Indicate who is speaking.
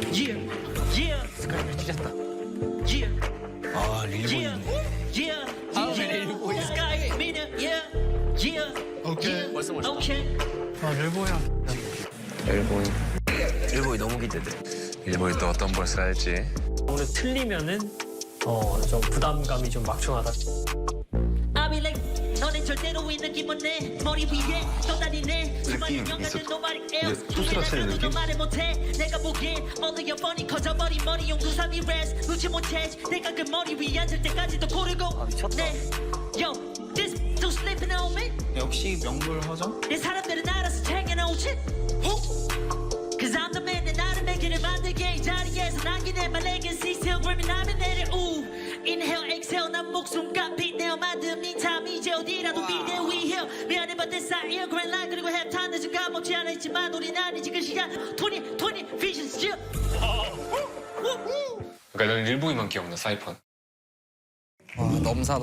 Speaker 1: Yeah, yeah,
Speaker 2: 스카이를 찢었다.
Speaker 1: yeah,
Speaker 3: 아
Speaker 1: yeah,
Speaker 3: 릴보이네.
Speaker 1: yeah.
Speaker 3: 다음에 릴보이야.
Speaker 1: Sky, minute, yeah, yeah.
Speaker 3: 오케이.
Speaker 2: 벌써 멋있다.
Speaker 1: Okay.
Speaker 2: 아, 릴보야.
Speaker 3: 릴보이 너무 기대돼.
Speaker 4: 일본이 또 어떤 벌스를 할지.
Speaker 2: 오늘 틀리면은 좀 부담감이 좀 막중하다.
Speaker 1: I'll be like, 너는 절대로 이 느낌 없네. 머리 위에 떠다니네. 수많은
Speaker 4: 느낌
Speaker 1: 영화들
Speaker 4: 있어.
Speaker 1: nobody
Speaker 4: 이게
Speaker 1: else.
Speaker 4: 투스라 치는
Speaker 1: 누구나
Speaker 4: 느낌?
Speaker 1: 말을 못해. 내가 보기엔 모두 여번이 커져버린 머리 용두삼이 rest. 눈치 못 채. 내가 그 머리 위에 앉을 때까지도 고르고.
Speaker 3: 미쳤다.
Speaker 1: Yo, this dude sleeping on me.
Speaker 3: 역시 명불 허정.
Speaker 1: 내 사람들은 알아서 챙겨놓지. Cause I'm the man that 나를 매기를 만들게 이 자리에서 남기네 my legacy still grim이 나면 내려 우 Inhale exhale 난 목숨과 빛내어 만든 meantime 이제 어디라도 be there we here 미안해 but this I hear grand line 그리고 halftime 늦은 까먹지 않아 있지만 우린 아니지 그 시간 2020 vision still
Speaker 4: 그러니까 난 일본이만 기억나 사이펀.
Speaker 3: 와 넘사.